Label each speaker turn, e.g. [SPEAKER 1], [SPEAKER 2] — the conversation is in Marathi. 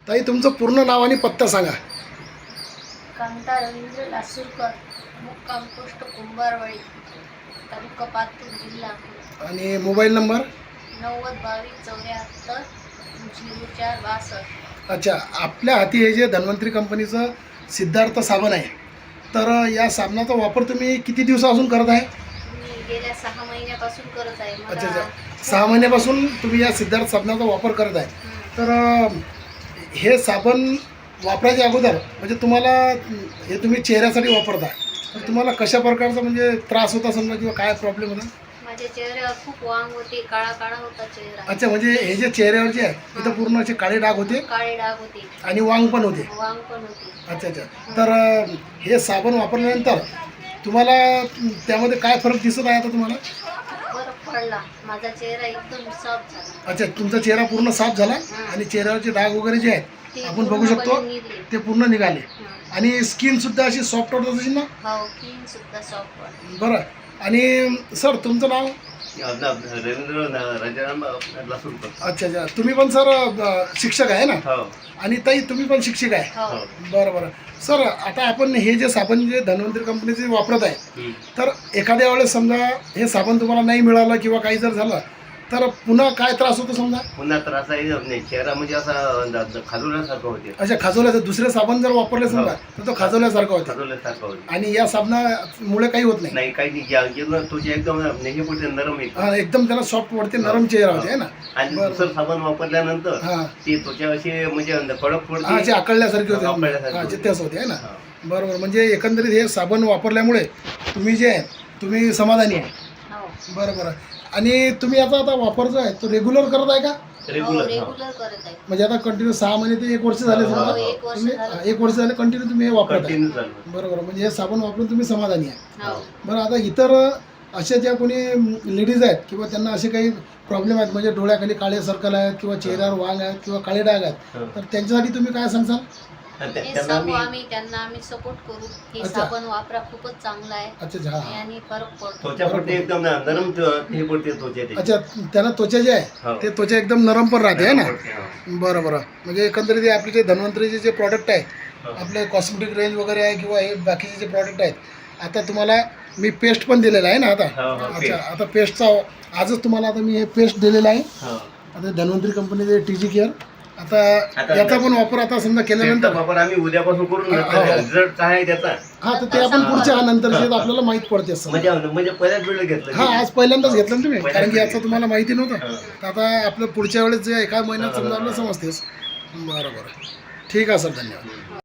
[SPEAKER 1] ताई तुमचं पूर्ण नाव आणि पत्ता सांगा.
[SPEAKER 2] कांता रवींद्र लासूरकर, मुक्काम पोस्ट कुंभारवाडी, तालुका पातूर, जिल्हा अकोला.
[SPEAKER 1] आणि मोबाईल नंबर.
[SPEAKER 2] 90 22 74 04 62.
[SPEAKER 1] अच्छा, आपल्या हाती हे जे धन्वंतरी कंपनीचं सिद्धार्थ साबण आहे, तर या साबणाचा वापर तुम्ही किती दिवसापासून करत आहे?
[SPEAKER 2] मी गेल्या 6 महिन्यापासून करत आहे.
[SPEAKER 1] अच्छा अच्छा, 6 महिन्यापासून तुम्ही या सिद्धार्थ साबणाचा वापर करत आहे. तर हे साबण वापरायच्या अगोदर म्हणजे तुम्हाला हे तुम्ही चेहऱ्यासाठी वापरता, तर तुम्हाला कशा प्रकारचा म्हणजे त्रास होता समजा किंवा काय प्रॉब्लेम होता?
[SPEAKER 2] माझ्या चेहऱ्यावर खूप वांग होते, काळा काळा होता चेहरा.
[SPEAKER 1] अच्छा, म्हणजे हे जे चेहऱ्यावर जे आहे तिथं पूर्ण असे काळे डाग होते
[SPEAKER 2] काळे डाग होते
[SPEAKER 1] आणि वांग पण होते.
[SPEAKER 2] वांग पण होते.
[SPEAKER 1] अच्छा अच्छा, तर हे साबण वापरल्यानंतर तुम्हाला त्यामध्ये काय फरक दिसत आहे आता तुम्हाला?
[SPEAKER 2] फरक पडला, माझा चेहरा एकदम सॉफ्ट झाला.
[SPEAKER 1] अच्छा, तुमचा चेहरा पूर्ण साफ झाला आणि चेहऱ्यावरचे डाग वगैरे जे आहेत
[SPEAKER 2] ते
[SPEAKER 1] आपण बघू शकतो
[SPEAKER 2] पूर्णपणे निघले.
[SPEAKER 1] ते पूर्ण निघाले. आणि स्किन सुद्धा अशी सॉफ्ट होत असेल ना?
[SPEAKER 2] हो, स्किन सुद्धा सॉफ्ट वाटते.
[SPEAKER 1] बरं. आणि सर तुमचं नाव?
[SPEAKER 3] रवींद्र राजाराम लासूरकर.
[SPEAKER 1] अच्छा अच्छा, तुम्ही पण सर शिक्षक आहे ना?
[SPEAKER 3] हो
[SPEAKER 1] आणि ताई तुम्ही पण शिक्षक आहे?
[SPEAKER 2] हो.
[SPEAKER 1] बरं बरं. सर आता आपण हे जे साबण जे धन्वंतरी कंपनीचे वापरत आहे, तर एखाद्या वेळेस समजा हे साबण तुम्हाला नाही मिळालं किंवा काही जर झालं तर पुन्हा काय त्रास होतो समजा?
[SPEAKER 3] पुन्हा त्रास आहे नाही, चेहरा म्हणजे असा खाजवल्यासारखं होते.
[SPEAKER 1] अच्छा, खाजवल्याचं दुसरे साबण जर वापरले समजा तर तो खाजवल्यासारखं होतं.
[SPEAKER 3] खाजवल्यासारखं होते
[SPEAKER 1] आणि या साबणामुळे काही होत नाही?
[SPEAKER 3] नाही, काही नाही. तुझे एकदम नेहमी पुढे नरम आहे
[SPEAKER 1] हा, एकदम त्याला सॉफ्ट वाटते, नरम चेहरा होते, आहे ना?
[SPEAKER 3] आणि
[SPEAKER 1] बरं.
[SPEAKER 3] दुसरं साबण वापरल्यानंतर
[SPEAKER 1] हां
[SPEAKER 3] ती त्वचा अशी म्हणजे कडक
[SPEAKER 1] हा,
[SPEAKER 3] पडते.
[SPEAKER 1] जे आकळल्यासारखे होते.
[SPEAKER 3] आकळल्यासारखे
[SPEAKER 1] हा,
[SPEAKER 3] होते.
[SPEAKER 1] जे तेच होते, आहे ना?
[SPEAKER 3] हा.
[SPEAKER 1] बरोबर. म्हणजे एकंदरीत हे साबण वापरल्यामुळे तुम्ही जे आहे तुम्ही समाधानी आहे.
[SPEAKER 2] हो.
[SPEAKER 1] बरं बरं. आणि तुम्ही आता वापर जो आहे तो रेग्युलर करत आहे का?
[SPEAKER 2] हो,
[SPEAKER 3] रेग्युलर.
[SPEAKER 2] रेग्युलर करत आहे.
[SPEAKER 1] म्हणजे आता कंटिन्यू 6 महिने ते 1 वर्ष झाले
[SPEAKER 3] हो,
[SPEAKER 1] समजा
[SPEAKER 3] हो,
[SPEAKER 2] 1 वर्ष
[SPEAKER 1] तुम्ही
[SPEAKER 2] झालं.
[SPEAKER 1] 1 वर्ष झाले कंटिन्यू तुम्ही हे वापरत आहे.
[SPEAKER 3] कंटिन्यू चालू.
[SPEAKER 1] बरोबर. म्हणजे हे साबण वापरून तुम्ही समाधानी आहे.
[SPEAKER 2] हो.
[SPEAKER 1] बरं. आता इतर अशा ज्या कोणी लेडीज आहेत किंवा त्यांना असे काही प्रॉब्लेम आहेत म्हणजे डोळ्याखाली काळे सर्कल आहेत किंवा चेहऱ्यावर वांग आहेत किंवा काळे डाग आहेत,
[SPEAKER 3] हो.
[SPEAKER 1] तर त्यांच्यासाठी तुम्ही काय सांगसाल?
[SPEAKER 2] हे
[SPEAKER 3] त्यांना
[SPEAKER 2] सर्व त्यांना आम्ही सपोर्ट करू. हे
[SPEAKER 1] अच्छा.
[SPEAKER 2] साबण वापरा, खूपच चांगला आहे
[SPEAKER 1] अच्छा अच्छा, हा.
[SPEAKER 2] आणि फरक पडतो.
[SPEAKER 3] त्वचा पडते एकदम नरम हे पडते त्वचा त्याची.
[SPEAKER 1] अच्छा, त्यांना त्वचा जे आहे
[SPEAKER 3] हो.
[SPEAKER 1] ते त्वचा एकदम नरम पण राहते, आहे ना?
[SPEAKER 3] पडते, हो.
[SPEAKER 1] बरं बरं. म्हणजे एकंदरीत हे आपले जे धन्वंतरीचे जे प्रॉडक्ट आहे,
[SPEAKER 3] हो.
[SPEAKER 1] आपले कॉस्मेटिक रेंज वगैरे आहे किंवा हे बाकीचे जे प्रॉडक्ट आहेत, आता तुम्हाला मी पेस्ट पण दिलेलं आहे ना आता?
[SPEAKER 3] हो, हो,
[SPEAKER 1] अच्छा,
[SPEAKER 3] paste.
[SPEAKER 1] आता पेस्टचा आजच तुम्हाला आता मी हे पेस्ट दिलेलं आहे.
[SPEAKER 3] हो.
[SPEAKER 1] आता धन्वंतरी कंपनीचे TG केअर. आता
[SPEAKER 3] आता
[SPEAKER 1] याचा पण वापर आता समजा केल्यानंतर
[SPEAKER 3] त्याचा वापर आम्ही उद्यापासून करून
[SPEAKER 1] हो.
[SPEAKER 3] रिझल्ट काय आहे त्याचा
[SPEAKER 1] हा, तर ते आपण पुढच्या नंतर आपल्याला माहीत पडते असं.
[SPEAKER 3] म्हणजे पहिल्याच वेळेला घेतलं.
[SPEAKER 1] हा, आज पहिल्यांदाच घेतलं ना तुम्ही,
[SPEAKER 3] पहिल्यांदाच
[SPEAKER 1] कारण की याचं
[SPEAKER 3] घेतलं.
[SPEAKER 1] तुम्हाला माहिती नव्हतं.
[SPEAKER 3] हो.
[SPEAKER 1] तर आता आपलं पुढच्या वेळेस जे एका महिन्यात समजा आपल्याला समजतेस. बरं बरं. ठीक आहे सर, धन्यवाद.